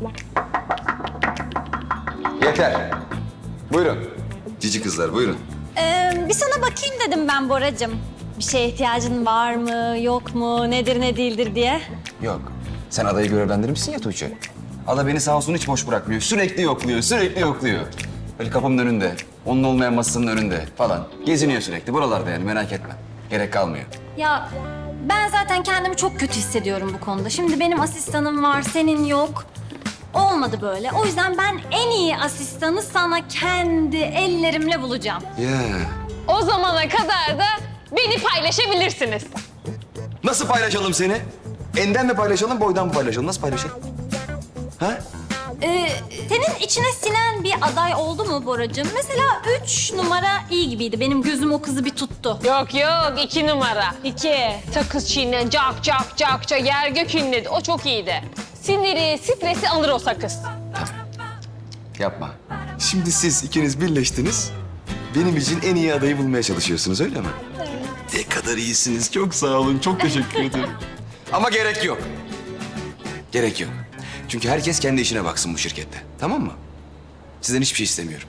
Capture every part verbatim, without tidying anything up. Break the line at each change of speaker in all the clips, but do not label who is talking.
Yeter. Buyurun. Cici kızlar buyurun.
Ee, bir sana bakayım dedim ben Boracığım. Bir şeye ihtiyacın var mı, yok mu, nedir ne değildir diye.
Yok. Sen adayı görevlendirmişsin ya Tuğçe. Ada beni sağ olsun hiç boş bırakmıyor. Sürekli yokluyor, sürekli yokluyor. Böyle kapımın önünde, onun olmayan masasının önünde falan. Geziniyor sürekli buralarda yani merak etme. Gerek kalmıyor.
Ya ben zaten kendimi çok kötü hissediyorum bu konuda. Şimdi benim asistanım var, senin yok. Olmadı böyle. O yüzden ben en iyi asistanı sana kendi ellerimle bulacağım.
Ya.
O zamana kadar da beni paylaşabilirsiniz.
Nasıl paylaşalım seni? Enden mi paylaşalım, boydan mı paylaşalım? Nasıl paylaşalım? Ha?
Ee, senin içine sinen bir aday oldu mu Boracığım? Mesela üç numara iyi gibiydi. Benim gözüm o kızı bir tuttu.
Yok yok iki numara.
İki.
Sakız çiğnen cak cak cak cak yer gök inledi. O çok iyiydi. Siniri, stresi alır o sakız.
Yapma. Şimdi siz ikiniz birleştiniz. Benim için en iyi adayı bulmaya çalışıyorsunuz öyle mi? Evet. Ne kadar iyisiniz. Çok sağ olun. Çok teşekkür ederim. Ama gerek yok. Gerek yok. Çünkü herkes kendi işine baksın bu şirkette. Tamam mı? Sizden hiçbir şey istemiyorum.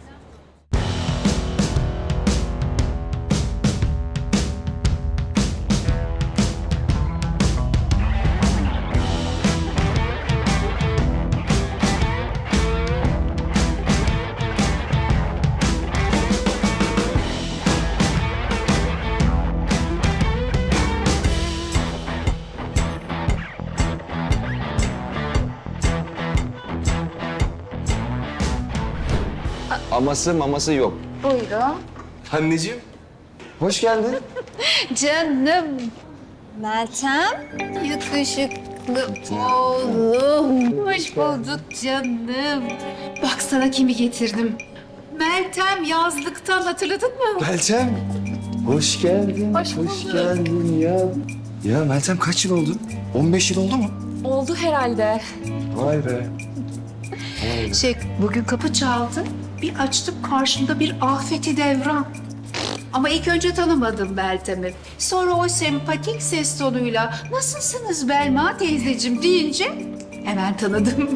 Aması maması yok.
Buyurun.
Anneciğim, hoş geldin.
Canım,
Meltem.
yakışıklı oğlum. Hoş bulduk canım. Bak sana kimi getirdim. Meltem yazlıktan hatırladın mı?
Meltem, hoş geldin.
Hoş bulduk.
geldin ya. Ya Meltem kaç yıl oldu? on beş yıl oldu mu?
Oldu herhalde.
Vay be.
Şey, bugün kapı çaldı. Bir açtım karşımda bir Afeti Devran. Ama ilk önce tanımadım Meltem'i. Sonra o sempatik ses tonuyla nasılsınız Belma teyzeciğim deyince hemen tanıdım.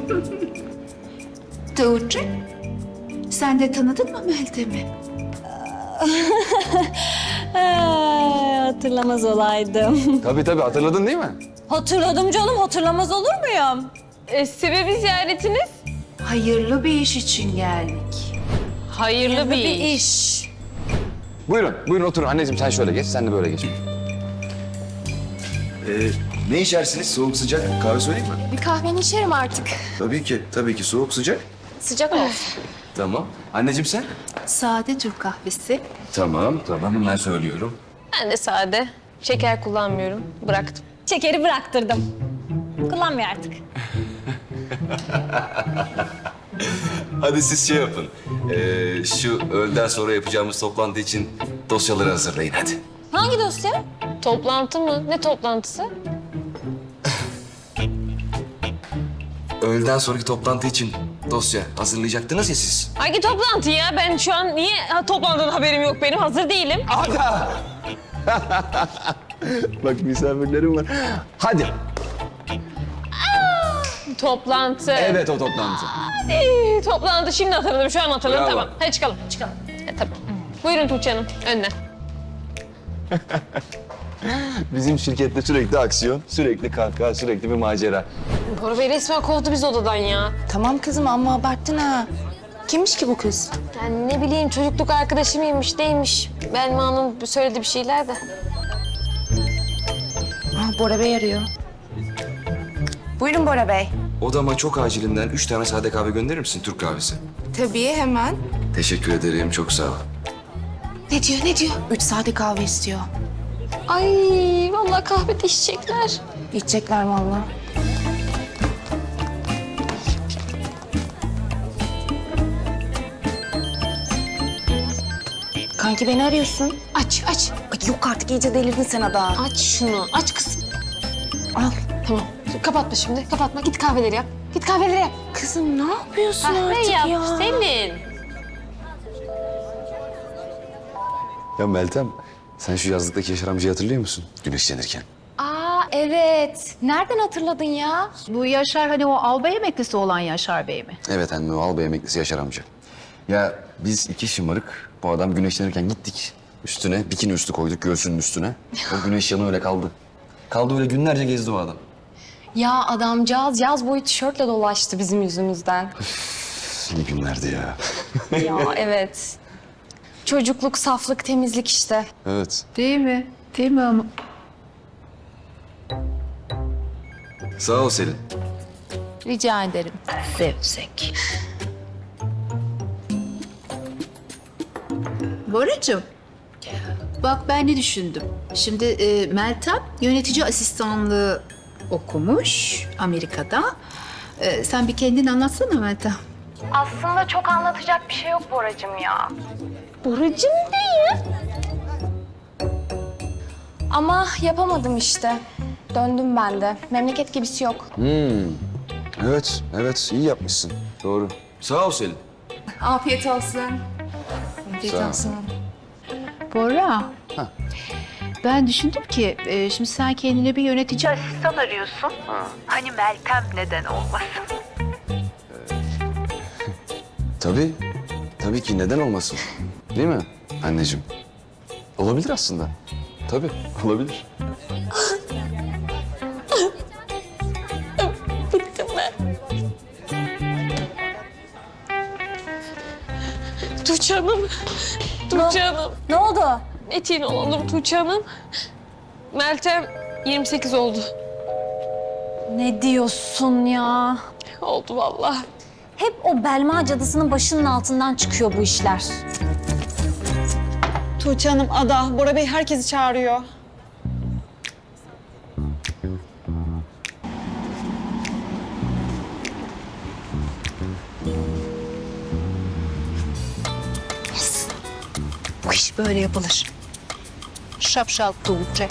Tuğçe, sen de tanıdın mı Meltem'i?
Ee, hatırlamaz olaydım.
Tabii tabii hatırladın değil mi?
Hatırladım canım, hatırlamaz olur muyum?
E, sebebi ziyaretiniz?
Hayırlı bir iş için geldik.
Hayırlı, bir,
Bir
iş.
iş.
Buyurun, buyurun oturun. Anneciğim sen şöyle geç, sen de böyle geç. Ee, ne içersiniz? Soğuk sıcak kahve söyleyeyim mi?
Bir kahveni içerim artık.
Tabii ki, tabii ki. Soğuk sıcak.
Sıcak olsun.
Tamam. Anneciğim sen?
Sade Türk kahvesi.
Tamam, tamam. Hemen söylüyorum.
Ben de sade. Şeker kullanmıyorum. Bıraktım.
Şekeri bıraktırdım. Kullanmıyor artık.
Hadi siz şey yapın. Ee, şu öğleden sonra yapacağımız toplantı için dosyaları hazırlayın hadi.
Hangi dosya?
Toplantı mı? Ne toplantısı?
Öğleden sonraki toplantı için dosya hazırlayacaktınız ya siz.
Hangi toplantı ya? Ben şu an niye ha, toplantıdan haberim yok benim? Hazır değilim.
Ada! Bak misafirlerim var. Hadi.
Toplantı.
Evet o toplantı.
Ee, toplantı şimdi hatırladım. Şu an hatırladım.
Bravo.
Tamam. Hadi çıkalım. Çıkalım. E, tabii. Buyurun Tuğçe Hanım. Önden.
Bizim şirkette sürekli aksiyon, sürekli kahkaha, sürekli bir macera.
Bora Bey resmen kovdu biz odadan ya.
Tamam kızım ama abarttın ha. Kimmiş ki bu kız?
Yani ne bileyim çocukluk arkadaşı mıymış neymiş. Belma'nın söylediği bir şeyler de.
Ah, Bora Bey arıyor. Buyurun Bora Bey.
Odama çok acilinden üç tane sade kahve gönderir misin Türk kahvesi?
Tabii hemen.
Teşekkür ederim, çok sağ ol.
Ne diyor ne diyor? Üç sade kahve istiyor.
Ay vallahi kahvede içecekler.
İçecekler vallahi. Kanki beni arıyorsun.
Aç aç.
Ay yok artık iyice delirdin sen Ada.
Aç şunu. Aç kızım.
Al.
Tamam. Kapatma şimdi. Kapatma. Git kahveleri yap. Git kahveleri yap.
Kızım ne yapıyorsun
Kahve
artık
yap
ya?
Selin.
Ya Meltem, sen şu yazlıktaki Yaşar amcayı hatırlıyor musun? Güneşlenirken.
Aa
evet. Nereden hatırladın ya?
Bu Yaşar hani o albay emeklisi olan Yaşar Bey mi?
Evet anne, o albay emeklisi Yaşar amca. Ya biz iki şımarık, bu adam güneşlenirken gittik. Üstüne bikini üstü koyduk göğsünün üstüne. O güneş yanı öyle kaldı. Kaldı öyle günlerce gezdi o adam.
Ya adamcağız yaz boyu tişörtle dolaştı bizim yüzümüzden.
İyi günlerdi ya.
Ya evet. Çocukluk, saflık, temizlik işte.
Evet.
Değil mi? Değil mi ama?
Sağ ol Selin.
Rica ederim. Zevzek. Boracığım, bak ben ne düşündüm. Şimdi e, Meltem yönetici asistanlığı okumuş Amerika'da. E, sen bir kendini anlatsana Meltem.
Aslında çok anlatacak bir şey yok Boracığım ya.
Buracım değil.
Ama yapamadım işte. Döndüm ben de. Memleket gibisi yok.
Hmm. Evet, evet iyi yapmışsın. Doğru. Sağ ol Selin.
Afiyet olsun. Afiyet
Sağ ol.
olsun.
Bora.
Ha.
Ben düşündüm ki e, şimdi sen kendine bir yönetici asistan arıyorsun. Hani Meltem neden olmasın?
Tabii. Tabii ki neden olmasın? Değil mi anneciğim? Olabilir aslında. Tabii olabilir.
Tuğçe Hanım. Tuğçe Hanım.
Ne oldu?
Etin olalım Tuğçe Hanım. Meltem yirmi sekiz oldu.
Ne diyorsun ya?
Oldu vallahi.
Hep o Belma cadısının başının altından çıkıyor bu işler.
Tuğçe Hanım, Ada, Bora Bey herkesi çağırıyor.
Bu iş böyle yapılır. Şapşal Tuğçe.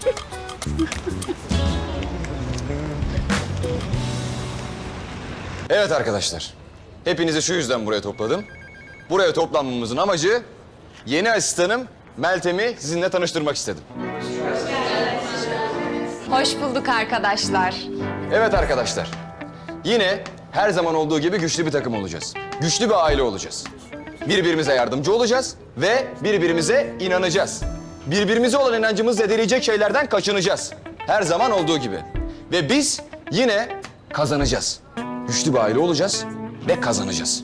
Evet arkadaşlar. Hepinizi şu yüzden buraya topladım. Buraya toplanmamızın amacı yeni asistanım Meltem'i sizinle tanıştırmak istedim.
Hoş bulduk arkadaşlar.
Evet arkadaşlar. Yine her zaman olduğu gibi güçlü bir takım olacağız. Güçlü bir aile olacağız. Birbirimize yardımcı olacağız ve birbirimize inanacağız. Birbirimize olan inancımızı zedeleyecek şeylerden kaçınacağız. Her zaman olduğu gibi. Ve biz yine kazanacağız. Güçlü bir aile olacağız ve kazanacağız.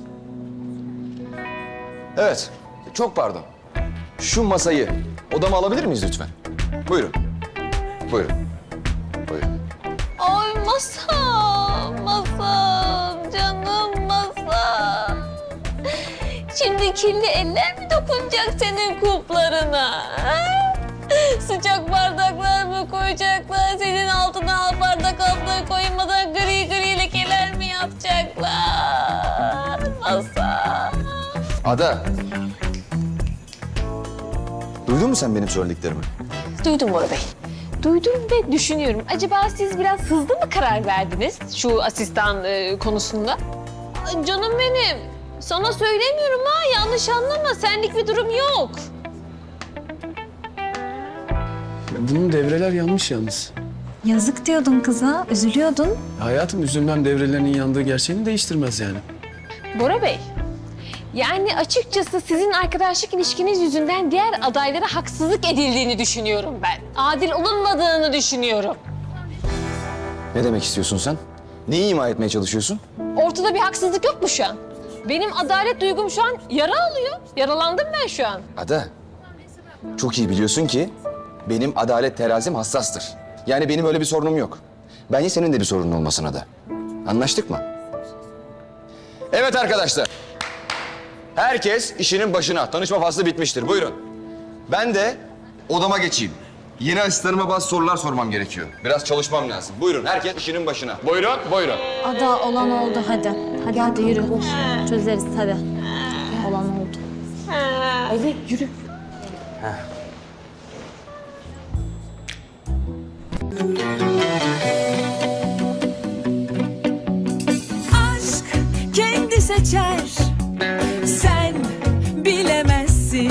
Evet, çok pardon. Şu masayı odama alabilir miyiz lütfen? Buyurun. Buyurun. Buyurun.
Ay masam, masam, canım masam. Şimdi kirli eller mi dokunacak senin kuplarına? ha? Sıcak bardaklar mı koyacaklar? Senin altına al bardak altına koymadan gri gri lekeler mi yapacaklar? Masam.
Ada. Duydun mu sen benim söylediklerimi?
Duydum Bora Bey. Duydum ve düşünüyorum. Acaba siz biraz hızlı mı karar verdiniz şu asistan e, konusunda? Ay, canım benim. Sana söylemiyorum ha. Yanlış anlama. Senlik bir durum yok.
Bunun devreler yanmış yalnız.
Yazık diyordun kıza, üzülüyordun.
Hayatım üzümden devrelerinin yandığı gerçeğini değiştirmez yani.
Bora Bey. Yani açıkçası sizin arkadaşlık ilişkiniz yüzünden diğer adaylara haksızlık edildiğini düşünüyorum ben. Adil olunmadığını düşünüyorum.
Ne demek istiyorsun sen? Neyi ima etmeye çalışıyorsun?
Ortada bir haksızlık yok mu şu an? Benim adalet duygum şu an yara alıyor. Yaralandım ben şu an.
Ada, çok iyi biliyorsun ki benim adalet terazim hassastır. Yani benim öyle bir sorunum yok. Bence senin de bir sorunun olmasın Ada. Anlaştık mı? Evet arkadaşlar. Herkes işinin başına. Tanışma faslı bitmiştir. Buyurun. Ben de odama geçeyim. Yeni asistanıma bazı sorular sormam gerekiyor. Biraz çalışmam lazım. Buyurun herkes işinin başına. Buyurun, buyurun.
Ada olan oldu hadi. Hadi hadi yürü. Çözeriz hadi. Olan oldu.
Hadi yürü.
Heh.